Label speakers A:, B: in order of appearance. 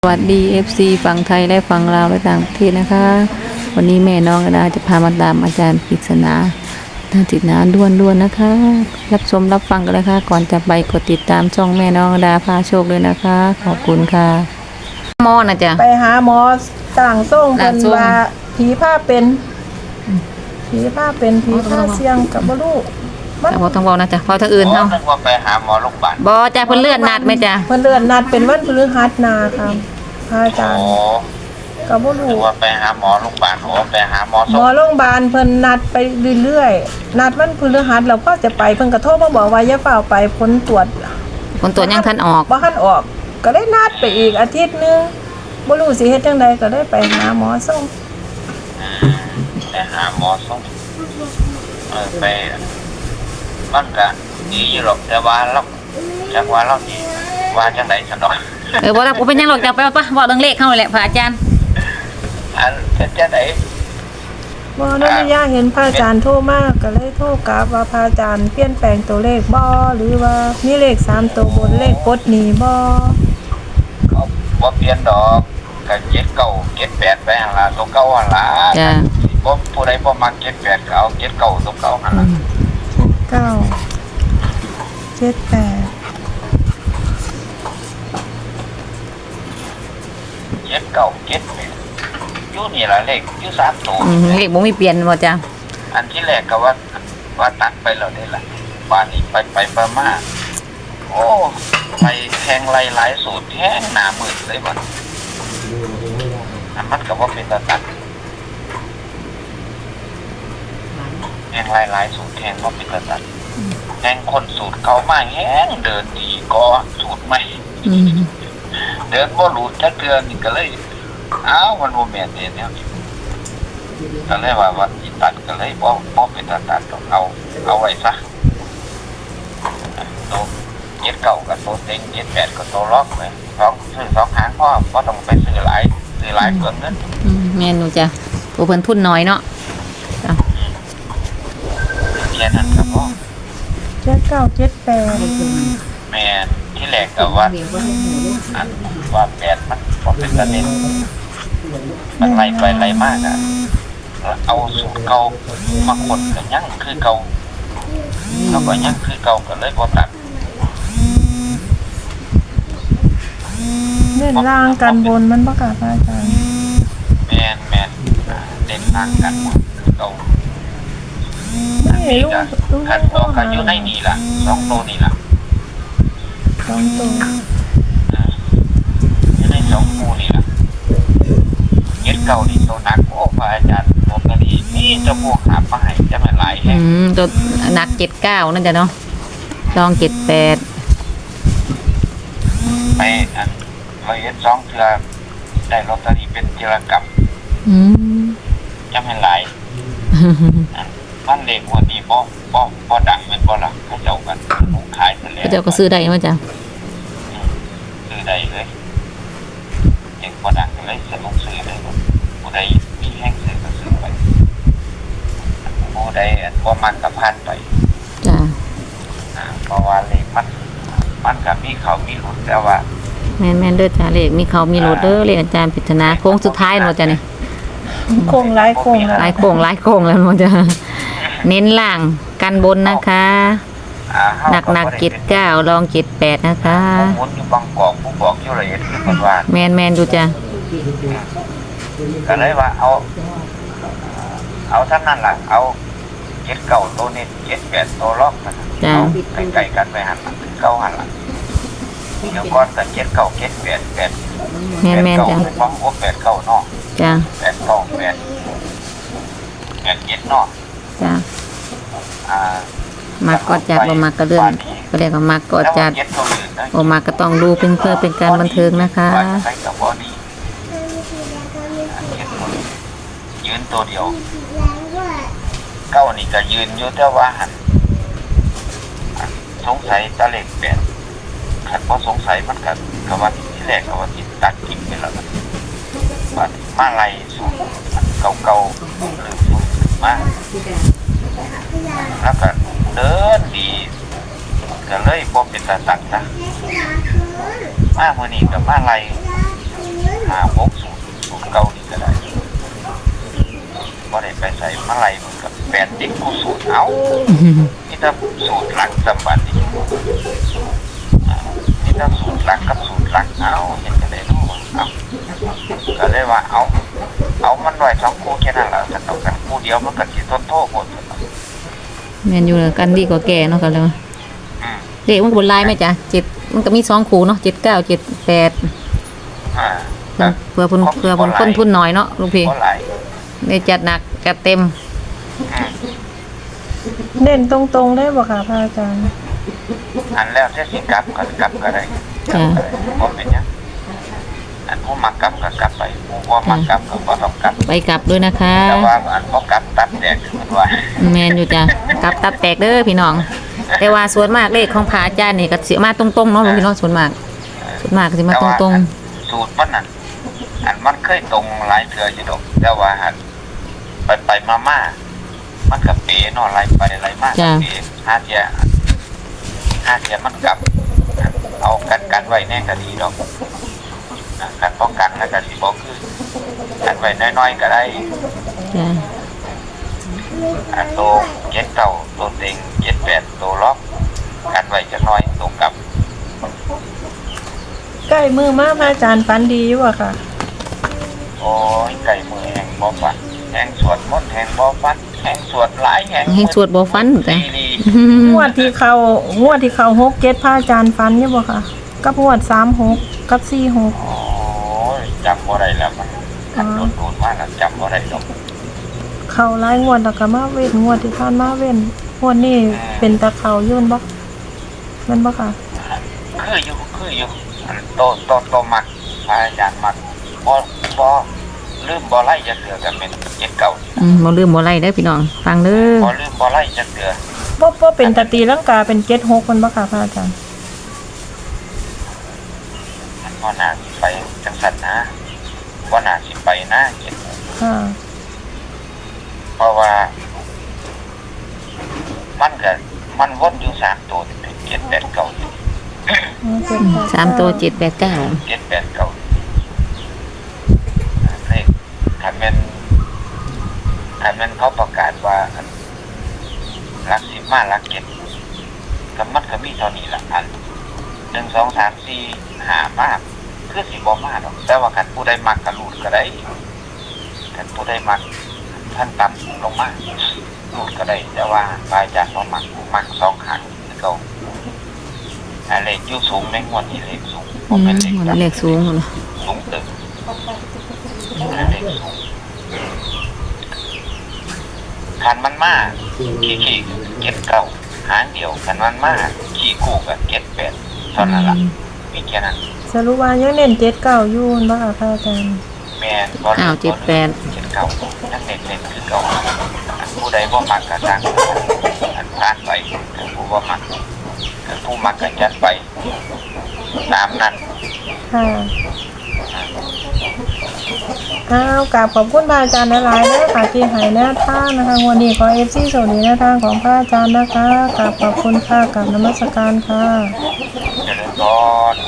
A: สวัสดี FC ฝั่งไทยและฝั่งลาวและต่างประเทศนะคะวันนี้แม่น้องอดาจะพามาตามอาจารย์ปริศนาทางติดนาด้วนๆนะคะรับชมรับฟังกันเลยค่ะก่อนจะไปกดติดตามช่องแม่น้องอดาพาโชคเลยนะคะขอบคุณค่ะหมอนะจ๊ะ
B: ไปหาหมอต่างส่งเพิ่นว่าผีผ้าเป็นผีผ้าเสี่ยงกับบ่รู้
A: แต่บ่ต้องเว้านะจ๊ะเว้าทางอื่นเฮา
C: นึกว่าไปหาหมอโรงพยาบาล
A: บ่จ้ะเพิ่นเลื่อนนัดไหมจ๊ะ
B: เพิ่นเลื่อนนัดเป็นวันพฤหัสหน้าค่ะพระอาจาร
C: โอ้
B: ย์ก็บ่
C: นึ
B: รู้
C: กว่าไปหาหมอโรงพยาบาลโอ้ไปหาหมอ
B: หมอโรงพยาบาลเพิ่นนัดไปเรื่อยๆนัดวันพฤหัสแล้วพอจะไปเพิ่นก็โทรมาบอกว่าอย่าเฝ้าไปผลตรวจ
A: ผลตรวจยังทันออก
B: บ่ทันออกก็ได้นัดไปอีกอาทิตย์นึงบ่รู้สิเฮ็ดจังใดก็ได้ไปหาหมอส่ง
C: ไปหาหมอส่งไปมันก็ดีอยู่หรอกแต่ว่าเราจักว่าเราดีว่าจังได๋ซั่นดอก
A: บ่รับบ่เป็นหยังหรอกจ้ะไปป่ะเว้าเรื่องเลขเฮาแหละพระอาจารย์
C: อันเป็นจังได๋
B: บ่ได้ยากเห็นพระอาจารย์โทรมาก็เลยโทรกลับว่าพระอาจารย์เปลี่ยนแปลงตัวเลขบ่หรือว่ามีเลข3ตัวบนเลขกดหนี้บ่
C: ก็บ่เปลี่ยนดอกก็7 9 7 8ไปหั่นล่ะตัวเก่าหั่นล่ะ
A: จ้ะ
C: บ่ผู้ใดบ่มัก7 8ก็เอา7 9ตัวเก่าหั่นล่ะ
B: 9 7 8
C: 7 9 7 8อยู่นี่ล่ะเลขอยู่3ตัว
A: เลขบ่มีเปลี่ยนบ่จ้ะ
C: อันที่แรกก็ว่าตัดไปแล้วนี่แหละป่านนี้ไปมาโอ้ไปแทงไล่หลายสูตรแทงหน้ามืดเลยบ่อันมันก็บ่เป็นตาตัดแทงไล่หลายสูตรแทงบ่เป็นตาตัดแทงคนสูตรเก่ามาแฮงเดินดีก็สูตรใหม่เดินบ่หลุดจักเทื่อนี่ก็เลยอ้าวมันบ่แม่นแนวนี้ก็เลยว่าอีตัดก็เลยบ่เป็นตาตัดเอาไว้ซะโตเจ็ดเก่ากับโตเต็ง7 8ก็โตล็อกเลยซื้อ2หางพอต้องไปซื้อหลายเปลืองเงิน
A: แม่นอยู่จ้ะผู้เพิ่นทุนน้อยเนาะจ้ะ
C: แค่นั้นก็พอ
B: 7 9 7 8
C: แม่ที่แรกก็ว่าอันว่า8มันบ่เป็นประเด็นมันไล่ไปไล่มากอ่ะเอาสูตรเก่ามาคนก็ยังคือเก่าแล้วก็ยังคือเก่าก็เลยบ่ตัด
B: เน้นล่างกันบนมันบ่ค่ะพระอาจารย์
C: แม่นเด่นทางกันหมดเก่าอัน
B: นี่
C: นี้
B: ลู
C: ก็
B: ก
C: คันตัวก็อยู่ในนี่ล่ะ2ตัวนี่ล่ะ
B: 2ตัว
C: อยู่ใน2คู่นี่ล่ะเย็ดเก่านี่ตัวหนักโอ้พระอาจารย์ผมก็ดีนี่จะพวกหามาให้จะไม่หลายแฮะ
A: ตัวหนัก79นั่นจ้ะเนาะลอง78
C: ไปอันเราเย็ด2เทื่อได้ลอตเตอรี่เป็นจิรกรรมจะไม่หลายมันเลขวันนี้บ่ดังแม่นบ่ล่ะเขาเจ้ากันลูกขายซะแล้ว
A: เจ้าก็ซื้อได้มั้ยจ้ะ
C: ซื้อได้เลยเด็กบ่ดังก็เลยสนุกซื้อเลยผู้ใดมีแห้งซื้อก็ซื้อไปผู้ใดบ่มักก็ผ่านไป
A: จ้ะ
C: เพราะว่าเลขมันก็มีเขามีหลุดแต่ว่า
A: แม่นๆเด้อจ้ะเลขมีเขามีโหลดเด้อเลขอาจารย์ปริศนาโค้งสุดท้ายเนาะจ้ะนี่
B: โค้งหลายโค้ง
A: หลายโค้งแล้วเนาะจ้ะเน้นล่างกันบนนะคะหนัก79ลอง78นะคะ
C: หมุนอยู่บางกอกผู้บอกอยู่ละเอียดคือเพิ่นว่า
A: แม่นๆดูจ้ะ
C: ก็เลยว่าเอาเท่านั้นล่ะเอา79ตัวนี้78ตัวล็อกนะ
A: จ้ะ
C: เอาใกล้ๆกันไปหั่นล่ะคือเก่าหั่นล่ะเดี๋ยวก่อนก็79 78 8
A: แม่นๆจ้ะ
C: เป็นบ่โอ้89เนาะ
A: จ้ะ
C: 89 8 7เนาะ
A: จ้ะ
C: อ่า
A: มักก็จัดบ่มักก็เรื่องก็เรียกว่ามักก็จัด
C: แล้ว7ตัวอื่นนะ
A: บ่มักก็ต้องดูเป็นเพื่อเป็นการบันเทิงนะคะ
C: ว่าใช้กับบอดี้ยืนตัวเดียวเก้านี่ก็ยืนอยู่แต่ว่าหันสงสัยตะเล็กแปดขันพอสงสัยมันกับว่าที่แรกกับว่าที่ตัดกินไปแล้วว่ามาไล่สูตรเก่าๆหรือสูตรมาแล้วก็เดินดีก็เลยบ่เป็นตาตักนะมามื้อนี้ก็มาไล่สูตรเก่านี่ก็ได้บ่ได้ไปใส่มาลัยมันกับ8เด็กกูสูตรเอานี่ถ้าสูตรหลักสมบัตินี่ถ้าสูตรหลักกับสูตรหลักเอาเห็นจะได้รู้เอาก็เลยว่าเอามันไว้2คู่แค่นั้นแหละจะต้องกันคู่เดียวมันก็สิทนโทษหมด
A: แม่นอยู่กันดีกว่าแก่เนาะกันเลยเด็กมันบนลายไหมจ๊ะ7มันก็มี2คู่เนาะ7 9 7 8เพื่อคนทุนน้อยเนาะลูกพี่ได้จัดหนักจัดเต็ม
B: เน้นตรงๆได้บ่ค่ะพระอาจารย์
C: อันแล้วเทสิกลับก็ได้บ่เป็นหยังอันผู้มักกลับก็กลับไปผู้บ่มักกลับก็บ่ต้องกลับ
A: ไปกลับด้วยนะคะ
C: แต่ว่าอันบ่กลับตัดแตกมันว่า
A: แมนอยู่จ้ะกลับตับแตกเด้อพี่น้องแต่ว่าส่วนมากเลขของพระอาจารย์นี่ก็สิมาตรงๆเนาะพี่น้องส่วนมากก็สิมาตรง
C: สูตรมันนั่นอันมันเคยตรงหลายเทื่ออยู่ดอกแต่ว่าอันไปมามันก็เป๋เนาะหลายไปหลายมาก็เป๋หาเที่ยมันกลับเอากันไว้แน่ก็ดีดอกกันป้องกันแล้วก็สิบ่คือกันไว้น้อยๆก็ได้
A: จ้ะ
C: อันโต7 9ตัวเต็ง7 8ตัวล็อกกันไว้จักหน่อยตรงกับ
B: ใกล้มือมาพระอาจารย์ฝันดีอยู่บ่ค่ะ
C: โอ้ยไก่มือแห่งบ่ฟันแห่งสวดมนต์แห่งบ่ฟันแห่งสวดหลายแห่ง
A: ให้สวดบ่ฟันจ้ะ
C: ดี
B: งวดที่เขา6 7พระอาจารย์ฝันอยู่บ่ค่ะกับงวด36กับ46
C: โอ้ยจำบ่ได้แล้วมันโดนๆมากแล้วจำบ่ได้ดอก
B: เขาหลายงวดแล้วก็มาเว้นงวดที่ผ่านมาเว้นงวดนี้เป็นตะเขายื่นบ่แม่นบ่ค่ะ
C: คืออยู่อันโตมักพระอาจารย์มักบ่ลืมบ่ไล่จักเทื่อก็เป็น7 9
A: บ่ลืมบ่ไล่เด้อพี่น้องฟังเด้อ
C: บ่ลืมบ่ไล่จักเทื่อ
B: บ่เป็นตะตีลังกาเป็น76มันบ่ค่ะพระอาจารย์
C: มันบ่น่าสิไปจังซั่นนะบ่น่าสิไปนะ7
B: ค่ะ
C: เพราะว่ามันวนอยู่3ตัวนี่เป็น7 8 9
A: 3ตัว7 8 9
C: 7 8 9เลขถ้าแม่นเขาประกาศว่าหลัก10มาหลัก7ก็มันก็มีเท่านี้ล่ะอัน1 2 3 4 5มากคือสิบ่มาดอกแต่ว่าคันผู้ใดมักก็รูดก็ได้คันผู้ใดมักท่านต่ำลงมารูดก็ได้แต่ว่าพระอาจารย์บ่มัก2ครั้งคือเก่าเลขอยู่สูงในงวดนี้เลขสูงบ่แม่นเลข
A: มันเลขสูงเนาะ
C: สูงตึกเลขสูงคันมันมาขี้เก็ดเก่าหางเดียวคันมันมาขี้คู่กับเก็ด8เท่านั้นล่ะมีแค่นั้น
B: สรุปว่ายังเน้น79อยู่บ่ค่ะพระอาจารย์
C: แม่นบ่ลืม7 9นั่นเน้นคือเก่าผู้ใดบ่มักก็สร้างอันผ่านไปผู้บ่มักผู้มักก็จัดไปตามนั้น
B: ค่ะกราบขอบคุณพระอาจารย์หลายๆเด้อค่ะที่ให้แนวทางนะคะวันนี้ขอ FC สวัสดีแนวทางของพระอาจารย์นะคะกราบขอบคุณค่ะกราบนมัสการค่ะ
C: เจริญพร